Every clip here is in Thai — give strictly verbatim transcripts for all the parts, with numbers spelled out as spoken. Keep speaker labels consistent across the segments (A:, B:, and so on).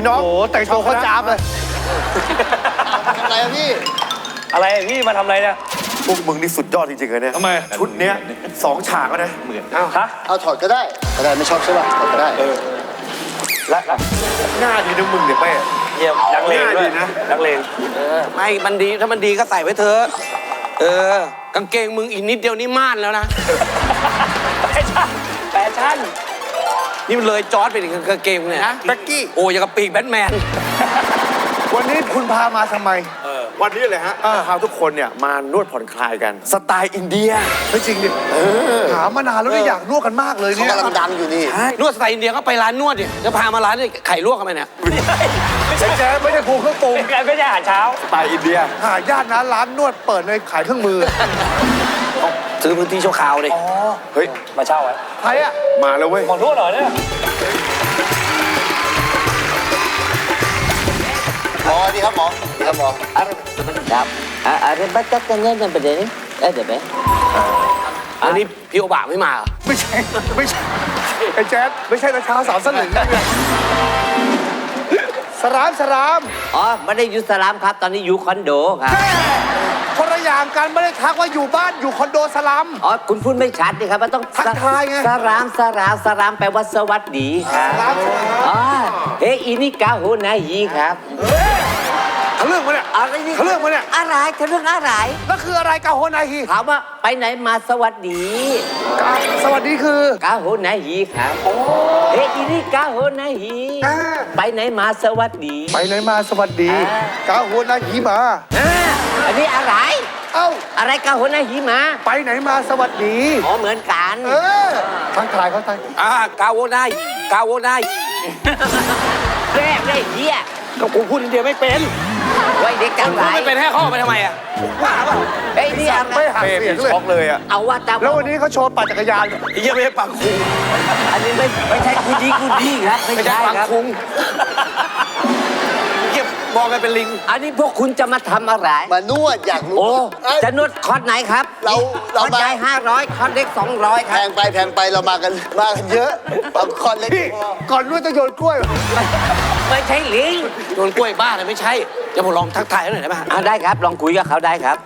A: น้อง
B: โอ้แต่งตัวเขาจ้าบเลย
C: อะไรอะพี่
D: อะไรพี่มาทำอะไรเนี่ย
A: พวกมึงนี่สุดยอดจริงๆเลยเนี่ย
B: ทำไม
A: ชุดเนี้ยสองฉากแล้วนะเหมือนอ้าว
D: ฮะ
C: เอาถอดก็ได้ก็ได้ไม่ชอบใช่ป่ะถอดก็ได้
D: ละละ
A: หน้าดีนะมึงเนี่ยเป้
D: เยี่ยมนักเลงด้วย
A: ง่ายดีนะ
D: นักเลง
E: ไม่มันดีถ้ามันดีก็ใส่ไว้เถอะเออกางเกงมึงอีกนิดเดียวนี่ม่านแล้วนะ
D: แฟชั่นแฟชั่น
E: นี่มันเลยจอร์ดไปถึงกางเกงเนี่ยนะ
A: แบ็กกี้
E: โอ้ยอย่างกับปีกแบทแมน
B: วันนี้คุณพามาทำไม
A: วันนี้เลยฮะพาทุกคนเนี่ยมานวดผ่อนคลายกัน สไตล์อินเดีย
B: ไม่จริงดิถามมานานแล้วเนี่ยอยากนวดกันมากเลย
C: เขา
B: เนี่ย
C: กำลังดังอยู่นี่
E: นวดสไตล์อินเดียก็ไปร้านนวดดิจะพามาร้านนี่ไข่ลวกกันไหมเนี่ย
B: ใช่แจ๊ไม่ใช่ครูเครื่องปรุง
D: เป็นการไม่ใช่อาหารเช้า
A: สไตล์อินเดีย
B: หาญาตินะร้านนวดเปิดในขายเครื่องมือ
E: ซื้อพื้นที่ชั่วคราวดิ
B: อ๋อ
A: เฮ้ย
D: มาเช่าไว้
B: ใครอะ
A: มาแล้วเว้ย
D: หมอนวดเหรอเนี่ย
C: หมอดีครับหมอดีครับหมอ
F: Sedap. Ada batakannya dan benda ni? Ada be?
E: อันนี้พี่โอบะไม่มาเหรอ
B: ไม่ใช่ไม่ใช่ไอ้แจ๊ดไม่ใช่ราชาสามสลึงนะเนี่ยสรามสราม
F: Oh, ไม่ได้อยู่สลามครับตอนนี้อยู่คอนโดครับ
B: คนละอย่างกันไม่ได้ทักว่าอยู่บ้านอยู่คอนโดสลัม
F: อ๋อคุณพูดไม่ชัดนี่ครับมันต้อง
B: ทักทายไง
F: สรามสรามสรามแปลว่าสวัสดีครับ
B: สลามสลาม
F: อ๋อเฮ้ยอีนี่กาโฮนายีครับ
B: เขาเรื่องมาเนี่ย
F: อะไรนี่
B: เขาเรื่องมาเนี่ย
F: อะไรเขาเรื่องอะไร
B: แล้วคืออะไรกาโฮนาฮี
F: ถามว่าไปไหนมาสวัสดี
B: กาสวัสดีคือก
F: าโฮนายีครับเฮ้ยอีนี่กาโฮนายี
B: อ่า
F: ไปไหนมาสวัสดี
B: ไปไหนมาสวัสดี
F: อ่า
B: กาโฮนาฮีมา
F: อ่าอันนี้อะไร
B: เอ้า
F: อะไรกาโฮนายีมา
B: ไปไหนมาสวัสดี
F: อ๋อเหมือนกัน
B: เออทักทายเขาทัก
E: อ่ากาโวไนกาโวไน
F: แรกได้เหี้ย
E: ก็กูพูดอินเดียไม่เป็น
F: ไว้เด็กจังไร
E: พูดไม่เป็นให้เข้าไปทำไมอ่ะว่าเปล่า
F: ไอ้ยนี่อะไร
B: ไม่หัก
A: เป้
B: เสียง
A: มี
B: เลย
A: ช็อกเลยอ่ะ
F: เอาว่าตาม
B: แล้ววันนี้เขาโชว์ปั่นจักรยาน
E: ไอ้เหี้ยไม่ใช่ปังคุง
F: อันนี้ไม่ไม่ใช่กูดีกูดีครับ ไม่
E: ไม่ใช่
F: ใช่
E: ปัง
F: ครับ
E: คุงเหี้ยมองกันเป็นลิง
F: อันนี้พวกคุณจะมาทำอะไร
C: มานวดอยากรู้
F: โอ้
C: เอ้ย
F: จะนวดคอร์สไหนครับ
C: เรา
F: ค
C: เรา
F: อร์ส
C: มา
F: ใหญ่ห้าร้อยคอร์สเล็กสองร้อยค
C: แพ
F: รับ
C: งไปแพงไปเรามากันมากันเยอะเอาคอนเล็ก
B: พี่
C: พอ
B: ก่อนนวดต้องโยนกล้วย
F: ไม่ใช่ลิง
E: โดนกล้วยบ้าเลยไม่ใช่จะผมลองทักทายเขาหน่อยได้ไหม
F: อ่าได้ครับ ลองคุยกับเขาได้ครับ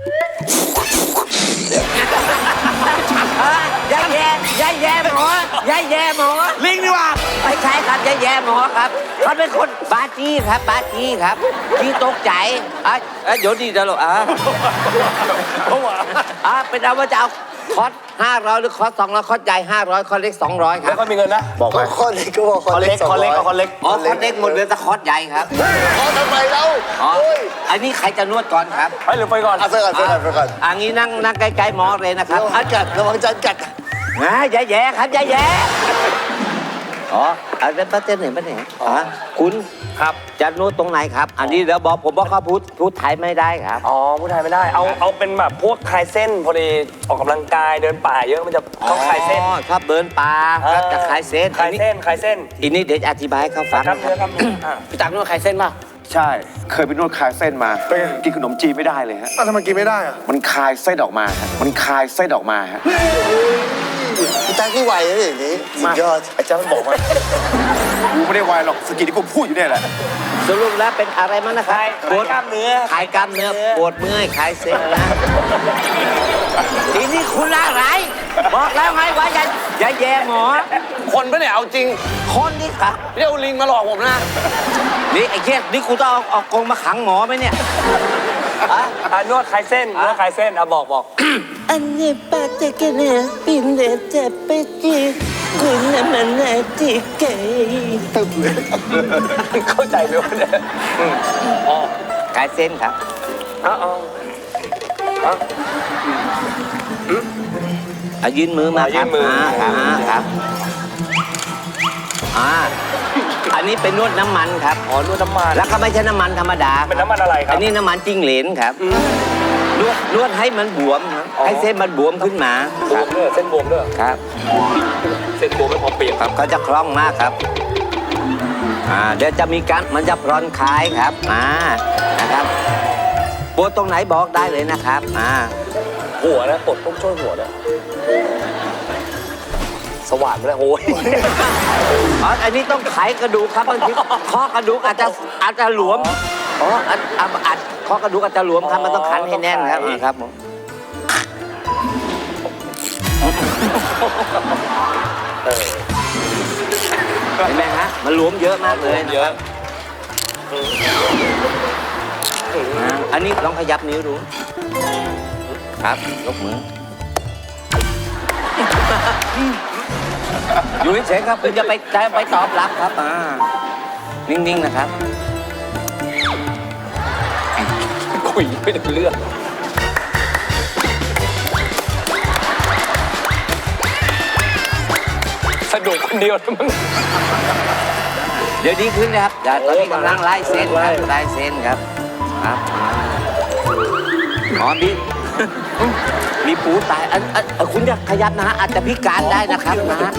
F: อ่ะยายแย่ยายแย่หมอยายแย่หมอ
E: ลิงดีกว่า
F: ไม่ใช่ครับยายแย่หมอครับเขาเป็นคนบาจี้ครับบาจี้ครับที่ตกใจอ่ะอ่ะเดี๋ยวดีเดี๋ยวลูกอ่ะ
B: เขาว่า
F: อ่ะเป็นเอาว่าจะเอาคอร์สห้าร้อยหรือคอร์สสองร้อยคอร์สใหญ่ห้าร้อยคอร์สเล็กสองร้อยค
D: แล้
F: รั
D: ว
F: บ
D: ก็มีเงินนะ
A: บอกไป
C: ก็คอนเล็กก็บอกค
D: ค
C: อ
D: อน น
C: เล็
D: เล็
C: ก
D: กคอนเล็กกับคอนเล็ก
F: อ๋อคอร์สเล็กหมดเหลือแต่คอร์สใหญ่ครับ
C: คอนทำไมเรา
F: อ๋อ
C: โอ้ย
F: อันนี้ใครจะนวดก่อนครับ
D: ไปหรือไปก่อน
C: เอาไปก่อนไปก่อนไปก่อน
F: อันนี้นั่งนั่งใกล้ๆหมอเลยนะครับ
C: ระวังกัดระวังจันกัด
F: นะอย่าแย่ครับอย่าแย่อ๋อเอาเป็นประเด็นไหนประเด็นอ๋อคุณ
D: ครับ
F: จะนวดตรงไหนครับ อันนี้เดี๋ยวบอกผมว่าเขาพูดพูดไทยไม่ได้ครับ
D: อ๋อผู้ไทยไม่ได้ เอาเอาเป็นแบบพวกคลายเส้นพอดีออกกำลังกายเดินป่าเยอะมันจะต้องคลายเส้น
F: อ๋อชอบเดินป่าครับจะคลายเส้น
D: คลายเส้นคลายเส้น
F: อีนี้เดี๋ยวจะอธิบายให้เขาฟัง
D: ครับ
F: นะค
D: เนื้อ
F: รับ
D: ครับอ่ะ
E: พี่ตักนวดใครเส้นป่ะ
A: ใช่ เคยไปนวดคลายเส้นมากินขนมจีนไม่ได้เลยฮะ
B: อ้าวทำไมกินไม่ได้อะ
A: มันคลายเส้นออกมาฮะมันคลายเส้นออกมาฮะ
C: พี่ตั้งที่ไหวนะอย่างนี้สุดยอด
A: ไอ้เจ้ามันบอกว่ากูไม่ได้วายหรอกสกิลที่กูพูดอยู่เนี่ยแหละ
F: สรุปแล้วเป็นอะไรมั้งนะครับ
D: คลายคลายกล้ามเนื้อ
F: คลายกล้ามเนื้อปวดเมื่อยคลายเส้นนะทีนี้คุณอะไร บอกแล้วไงว่าอย่าอย่าแย่หมอ
E: คนปะเนี่ยเอาจริง
F: คนนี่ครับ
E: เรียกลิงมาหลอกผมนะ
F: นี่ไอ้เค้นี่กูต้องเอาเอากรงมาขังหมอไหมเนี่ยอะ
D: อ่ะนวดคลายเส้นนวดคลายเส้นอ่ะบอกบอก
F: อันนี้ปาเตกันเนี่ยปินเดเจเปจีกุนมันนาจิเกย
D: เข้าใจไหมวะเนี่ย
F: คลายเส้นครับ
D: อ๋ออ๋อ
F: เอายื่นมือมาครับอ่าครับครับอ่าอันนี้เป็นนวดน้ำมันครับ
D: อ๋อนวดน้ำมัน
F: แล้วก็ไม่ใช่น้ำมันธรรมดา
D: เป็นน้ำมันอะไรครับ
F: อันนี้น้ำมันจิ้งเหลนครับนวดนวดให้มันบวมครับให้เส้นมันบวมขึ้นมา
D: บวมด้วยเส้นบวมด้วย
F: ครับ
D: เส้นบวมไม่พอเปียก
F: ครับเขาจะคล่องมากครับอ่าเดี๋ยวจะมีการมันจะผ่อนคลายครับอ่านะครับปวดตรงไหนบอกได้เลยนะครับอ่า
D: หัวนะปวดต้องช่วยหัวนะสว่านไปแล้วโอ้ย
F: อ๋ออันนี้ต้องไขกระดูกครับบางทีข้อกระดูกอาจจะอาจจะหลวมอ๋ออัดอัดอัดข้อกระดูกอาจจะหลวมครับมันต้องขันให้แน่นครับอ่าครับผมเห็นไหมฮะมันหลวมเยอะมากเลยเยอะอันนี้ลองขยับนิ้วดูครับยกมืออยู่เฉยๆครับคุณจะไปจะไปตอบรับครับอ่านิ่งๆนะครับ
D: คุยไม่ได้เรื่องสนุกคนเดียวนะมึง
F: เดี๋ยวดีขึ้นนะครับเดี๋ยวตอนนี้กำลังไล่เส้นครับไล่เส้นครับครับอ๋อมีมีปูตายอันอันอันคุณจะขยับนะฮะอาจจะพิการได้นะครับนะฮะ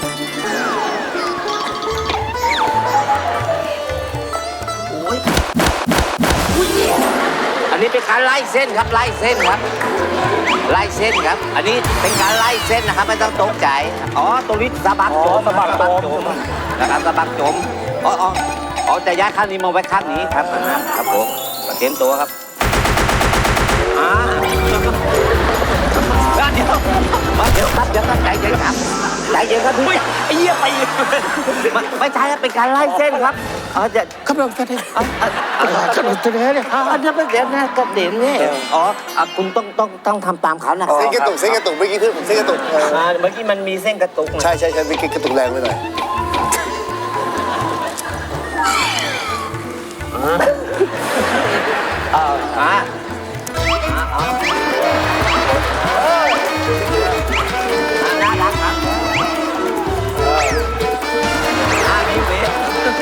F: อันนี้เป็นการไล่เส้นครับไล่เส้นครับ ไล่เส้นครับ อันนี้เป็นการไล่เส้นนะครับไม่ต้องตกใจอ๋อตรงนี้สะบักโจม
D: สะบักโจม
F: นะครับสะบักโจมอ๋ออ๋ออ๋อจะย้ายข้างนี้มาไว้ข้างนี้ครับครับผมเตรียมตัวครับอ่าเดี๋ยวเดี๋ยวครับเดี๋ยวครับใจเย็นครับใจเย็นครับพี่
D: ไอ้เหี้ยไปเลย
F: ไม่ไม่ใช่ครับเป็นการไล่เส้นครับอ๋อจะ
B: กำลังแสดง
F: อ๋ออ๋อก
B: ำลังแสดงเนี่ย
F: อ๋อจะเป็นเดี๋ยวนะกระเด็นนี่อ๋ออ่ะคุณต้องต้องต้องทำตามเขานะ
C: เส้นกระตุกเส้นกระตุกเมื่อกี้ขึ้นผมเส้นกระตุกเออ
F: อ่าเมื่อกี้มันมีเส้นกระตุกนะ
C: ใช่ใช่ใช่เมื่อกี้กระตุกแรงไปหน่อย
F: เอออ่ะอ่ะน่ารักครับอ่ามีเวฟ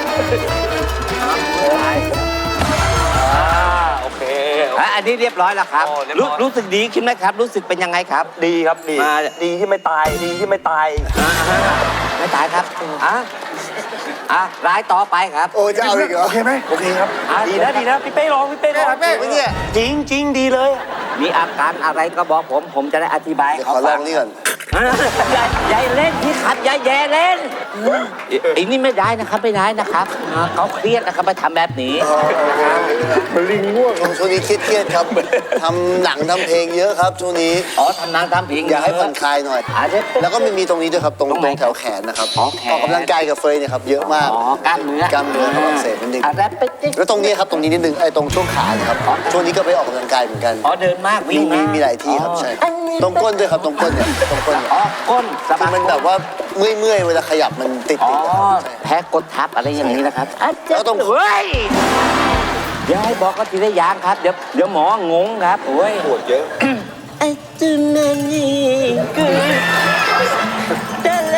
D: อ่าโอเค
F: อ่ะอันนี้เรียบร้อยแล้วครับ
D: โอ้เรียบร้
F: รู้
D: อย
F: รู้สึกดีขึ้นไหมครับ รู้สึกเป็นยังไงครับ
D: ดีครับดี
F: มา
D: ดีที่ไม่ตายดีที่ไม่ตาย
F: อ่าไม่ตายครับอ่ะอ่ะรายต่อไปครับ
C: โอ้จะเอาอีกเหรอ
B: โอเคไหม
D: โอเคครับ
F: อ่ะ
D: ดีนะดีนะพี่เป้ร้องพี่เป้ร้อง
C: เป้ไม่เนี่ย
D: จริงจริงดีเลย
F: มีอาการอะไรก็บอกผม ผมจะได้อธิบาย
C: เดี๋ยว
F: เขา
C: ขอล
F: ฟั
C: อง งนี่ก่อน
F: อ่ะอย่าอย่าเล่นพี่ขัดอย่าแย่เล่นไอ้นี่ไม่ได้นะครับไม่ได้นะครับอ่าเขาเครียดนะครับไปทำแบบนี้
C: มันลิงง่วงช่วงนี้เครียดๆครับทำหนังทำเพลงเยอะครับช่วงนี้
F: อ๋อทำนางทำเพลง
C: อยากให้ผ่อนคลายหน่อย
F: อาจจะเป็น
C: แล้วก็มันมีตรงนี้ด้วยครับตรง
F: ตรงไหน
C: ตรงแถวแขนนะครับ
F: อ๋อแขน
C: ออกกำลังกายกับเฟยเนี่ยครับเยอะมาก
F: อ๋อกล้ามเนื้อก
C: ล้ามเนื้อครับอักเสบนิดนึง
F: อะไรเป็นจิ๊ก
C: แล้วตรงนี้ครับตรงนี้นิดนึงไอ้ตรงช่วงขาเนี่ยครับช่วงนี้ก็ไปออกกำลังกายเหมือนกัน
F: อ๋อเดินมาก
C: มี
F: วิ่ง
C: มี
F: มาก
C: มีหลายที่ครับใช่ตรงก้นด้วยครับตรงก้นเนี่ยตรงก้นเนี่ย
F: อ๋อก้นสะ
C: คื
F: บั
C: อก มันแบบว่าเมื่อยเมื่อยๆเวลาขยับมันติด
F: อ๋อ
C: ติดนะครับใช่
F: แพ้กดทับอะไรอย่างนี้นะครับอ่ะ
C: แล้วต้อง
F: เฮ้ยเดี๋ยวให้บอกก็ทีละอย่างครับ เดี๋ยวเดี๋ยวหมองงครับโอ้ย
C: ปวดเยอะ
F: ไอ้จุนันนี่คือเดล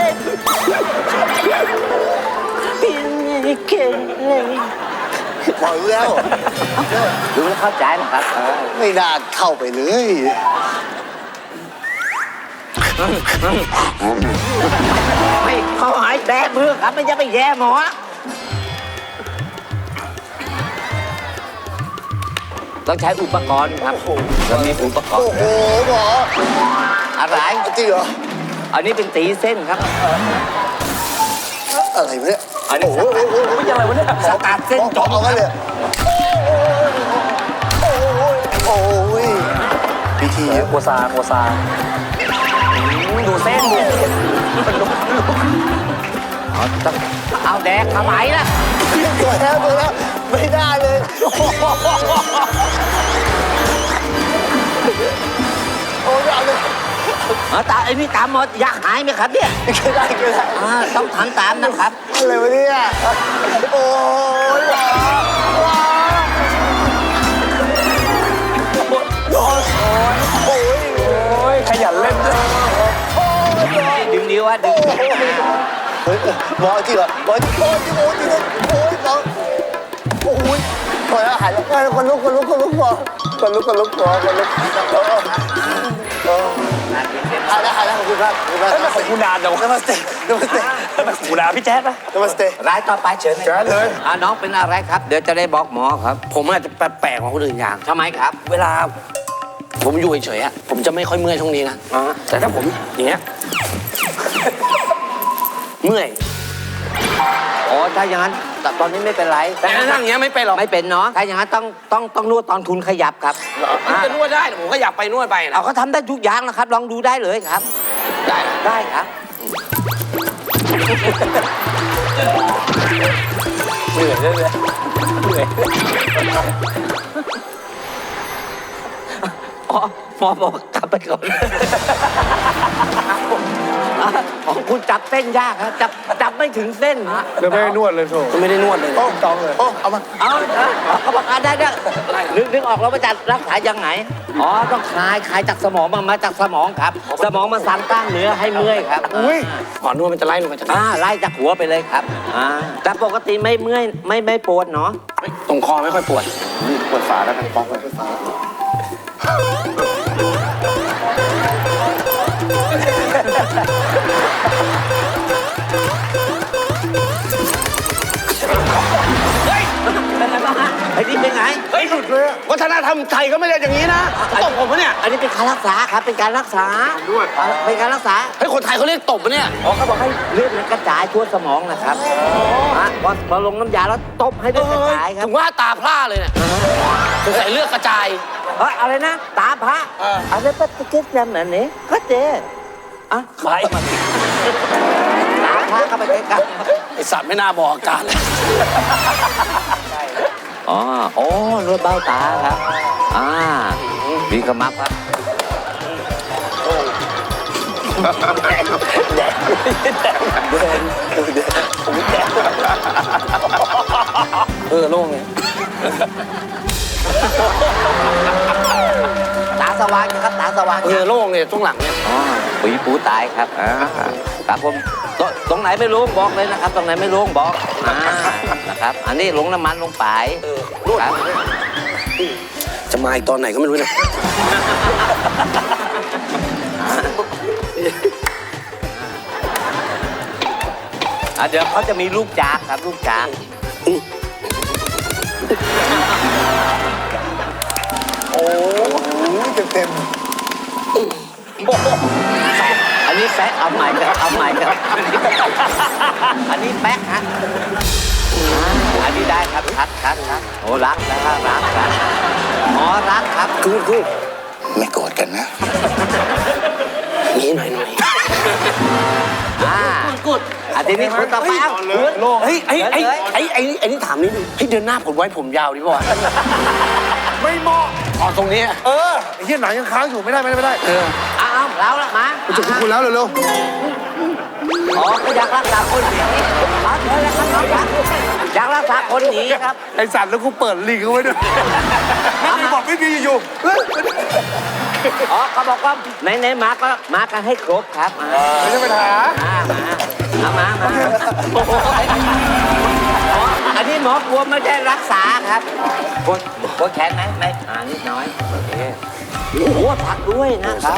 F: เป็นไงเก่งเลย
C: พอรู้แล้ว
F: ดูแล้วเข้าใจนะครับเออ
C: ไม่น่าเข้าไปเลย
F: ไม่เขาหายแดกมือครับไม่จะไปแย่หมอต้องใช้อุปกรณ์ครับเรามีอุปกร
C: โอ้
F: ณ์
C: โหหมอ
F: อะไร
C: จริงเหรอ
F: อันนี้เป็นตีเส้นครับ
C: อะไรวะเนี่ย
F: อันนี้
C: โอ้โหโอ้โห
D: ไม่ยังไงวะเนี่ย
F: สกัดเส้นจม
C: เอากันเลยโอ้ยโอ้ยพิธีเยอะ
D: โกซาโกซาดูเส้นดู
F: เอาต้องเอาแดกทำไมล่ะ
C: ตัวแล้วตัวแล้วไม่ได้เลยโอ้ยเอาเลย
F: เอาตาไอ้นี่ตามหมดอยากหายไหมครับเนี่ย
C: ไม่ได้ไม่ได้
F: อ่าต้องทำตามนะครับ
C: อะไรวะเนี่ยโอ้ยหมอหมอโอ้ยโอ้ย
D: โอ้ยขยันเล่นด้วย
F: ดึงนิ้วอะดึง
C: เฮ้ยหมอจริงเหรอหมอจริงโอ้ยโอ้ยจริงโอ้ยหมอโอ้ยพอแล้วหายแล้วคนลุกคนลุกคนลุกหมอคนลุกคนลุกหมอคนลุกหายแล้วหายแล้วขอบคุณครับขอบคุณมาก
D: เอ้ยมาของกูนานจังวะ
C: นมัสเตนมัสเต
D: กูนานพี่แจ๊ดปะ
C: นมัสเต
F: รายต่อไปเชิญ
B: แจ๊ดเลย
F: อ่าน้องเป็นอะไรครับ เดี๋ยวจะได้บอกหมอครับ
E: ผมอาจจะแปลกๆกว่าคนอื่นอย่าง
F: ทำไมครับ
E: เวลาผมอยู่เฉยๆอะผมจะไม่ค่อยเมื่อยช่วงนี้นะ
F: อ๋อ
E: แต่ถ้าผมอย่างเงี้ยเมื่อย
F: อ๋อถ้าอย่างนั้นตตอนนี้ไม่เป็นไร
E: แต่นั่งอย่างเงี้ยไม่เป็นหรอก
F: ไม่เป็นเนาะถ้าอย่างนั้นต้องต้องต้องนวดตอนคุณขยับครับ
E: มันจะนวดได้ผมก็อยากไปนวดไปนะ
F: เอาเขาทำได้ทุกอย่างนะครับ ลองดูได้เลยครับ
E: ได้
F: ได้ครับ
D: เหนื่อยเลยเลยเหนื่อย
F: อ๋อหมอบอกกลับไปก่อน อ๋อคุณจับเส้นยากครับจับจับไม่ถึงเส้นฮะ
B: เดี๋ยวไม่ให้นวดเลยโถ
E: ก็ไม่ได้นวดเลย
C: โอ้ตองเลยโอ้เอามา
F: เอาเอาเขาบอกอ่ะได้ได้นึกนึกออกแล้วว่าจะรักษายังไงอ๋อต้องคลายคลายจากสมองมามาจากสมองครับ สมองมาสั่งกล้ามเนื้อให้เมื่อยครับ
B: อุ้ย
E: หมอนวดมันจะไล่ลงมาจาก
F: อ่าไล่จากหัวไปเลยครับอ่าแต่ปกติไม่เมื่อยไม่ไม่ปวดเนาะ
E: ตรงคอไม่ค่อยปวด
C: นี่เปิดฝาแล้วกันป๊อกเลยฝา
F: เป็นไงบ้างฮะไอ้นี่เป็นไง
E: เฮ้ยหลุดเลยวัฒนธรรมไทยก็ไม่ได้อย่างนี้นะตบผมปะเนี่ย
F: อันนี้เป็นการรักษาครับเป็นการรักษาด้วยเป็นการรักษา
E: เฮ้ยคนไทยเขาเรียกตบปะเนี่ย
F: อ๋อเขาบอกให้เลือดมันกระจายทั่วสมองนะครับอ่ะพอพอลงน้ำยาแล้วตบให้เลือดกระจายครับ
E: ถึงว่าตาพร่าเลยเนี่ยสงสัยเลือดกระจาย
F: เฮ้ยอะไรนะ ตาพระ
E: เออ
F: อะไรปฏิกิริยาแบบนี้ก็เจอ่ะ
D: ไป
F: ตาพระเข้าไปใกล้
E: ไอสัตว์ไม่น่าบอกอาการเลย
F: ๆอ๋อโอ้นวดเบ้าตาครับอ่ามีขมับครับ
E: เออโล่งเลย
F: ตาสว่างนะครับตาสว่าง
E: เออโล่งเลยช่วงหลังเนี่ย
F: อ๋อปุ๋ยปูตายครับอ่าครับผมตตรงไหนไม่รู้บอกเลยนะครับ ตรงไหนไม่รู้บอกอ่านะครับ อันนี้ลงน้ำมันลงไปครับ
E: จะมาอีกตอนไหนก็ไม่รู้เนี่ย
F: อ่ะเดี๋ยวเขาจะมีลูกจากครับลูกจาก
C: โอ้ยเต็มเต็ม
F: อันนี้แป๊กเอาใหม่ครับเอาใหม่ครับ อันนี้แป๊กฮะอ่าอันนี้ได้ครับชัดชัดชัดโอ้รักนะครับรักรักอ๋อรักครับ
E: กูกู
C: ไม่โกรธกันนะ
E: นี้หน่อยหน่อย
F: อ่าอันนี้คุณต่อไปเอาคุณ
E: เฮ้ยไอ้ไอ้ไอ้ไอ้ไอ้นี่ถามนิดนึงให้เดือนหน้าผมไว้ผมยาวดีป่ะวะ
B: ไม่เหมาะ
E: อ๋อตรงนี้
B: เออไอ้เหี้ยหนังยังค้างอยู่ไม่ได้ไม่ได้ไม่ได้
E: เออ
F: เอาเอาเราละมา
B: มันจะคุณคุณแล้วเร็ว
F: อ๋อก็อยากรักษาคนหนีเอาเถอะนะครับน้องครับอยากรักษาคนหนีครับ
B: ๆไอสัตว์แล้วกูเปิดลิงก์เอาไว้ด้วยไม่มีบอกไม่มีอยู่ๆเฮ้ย
F: อ๋อเขาบอกว่าไหนๆมาก็มากันให้ครบครับอ่า
B: ไม่ใช่ปัญหา
F: มามาเอามามาโอ้โหอ๋ออันนี้หมอกลัวไม่ได้รักษาครับปวดปวดแขนไหมไม่อ่านิดน้อยโอเคโอ้โหผักด้วยนะครับ